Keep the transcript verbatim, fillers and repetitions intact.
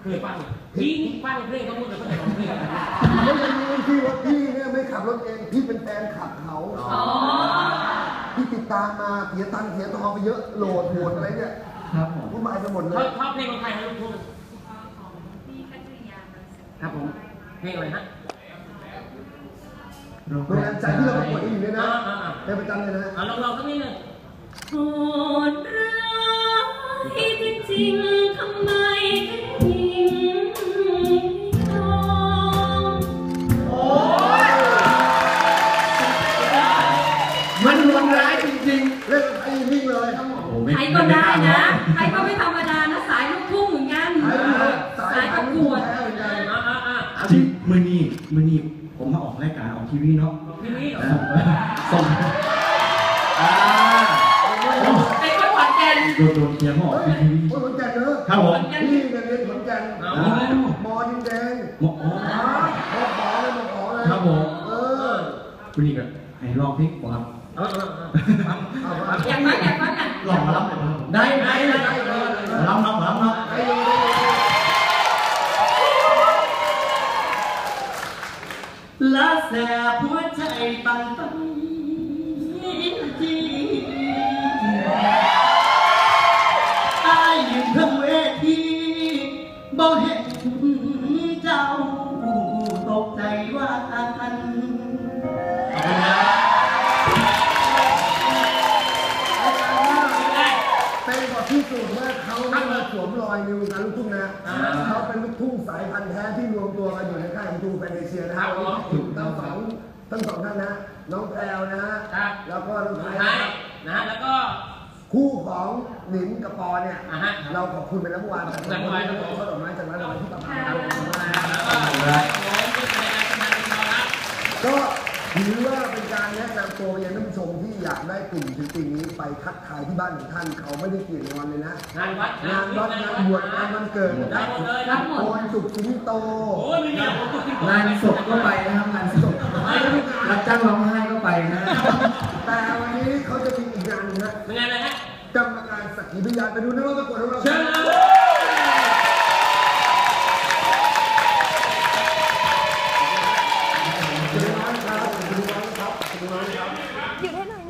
เคยฟังพี่ฟังเพลงเขาพูดเลยเขาจะร้องเพลงไม่ใช่พี่ว่าพี่เนี่ยไม่ขับรถเองพี่เป็นแฟนขับเขาพี่ติดตามมาเสียตังค์เสียทองไปเยอะโหลดโหดอะไรเนี่ยครับผมวุ่นวายไปหมดเลยชอบเพลงของใครครับลูกทุ่งครับผมเพลงอะไรฮะโรงแรมใจที่เราประกวดอยู่เนี่ยนะเป็นประจำเลยนะลองลองสักนิดนึงโหดร้ายจริงๆทำไมถึงทองโอ้ยมันรุนแรงจริงๆเล่นไอ้นิ่งเลยใครก็ได้นะใครก็ไม่ธรรมดานะสายลูกทุ่งเหมือนกันสายประกวดที่มือนีมือนีผมมาออกรายการออกทีวีเนาะทีวีส่งอ่าเป็นคนขอนแก่นโดนโดนเทียมออกทีวีคนขอนแก่นเนอะครับผมพี่เรียนขอนแก่นมอดินแดงมออ๋อมอขอเลยมอขอเลยครับผมเออคุณนี่ก็ให้ลองเพลงก่อนครับเออเอออยากฟังอยากฟังกันลองมารับได้ได้ได้รับรับรับรับละแสบหัวใจตันตันจีอายยืนทั้งเวทีบ่เห็นเจ้าตกใจว่าอันเป็นกว่าที่สุดว่าเขาไม่มาสวมรอยในวงการลูกทุ่งนะเขาเป็นลูกทุ่งสายพันธุ์แท้ที่รวมตัวกันอยู่ในค่ายของทูแฟนเดเชียนะครับทั้งสองทั้งสองท่านนะน้องแพรวนะฮะแล้วก็น้องไทยนะฮะแล้วก็คู่ของหนิมกับปอเนี่ยเราขอบคุณไปแล้วเมื่อวานแต่เมื่อวานเราขอดอกไม้จากร้านดอกไม้ที่ประมาณก็ถือว่าเป็นการแนะนำตัวยังท่านผู้ชมที่อยากได้กลุ่มศิลปินนี้ไปทักทายที่บ้านของท่านเขาไม่ได้เกี่ยงงอนเลยนะงานวัดงานวัดงานบวชงานวันเกิดได้หมดเลยรับหมดโอนสุขสิงโตงานศพก็ไปนะครับงานศพรับจ้างร้องไห้ก็ไปนะแต่วันนี้เขาจะมีอีกงานนึงนะงานอะไรฮะกรรมการสักขีพยานไปดูนะว่าประกวดของเราเชิญคุณน้อยครับคุณน้อยครับคุณน้อยครับอยู่ได้หน่อย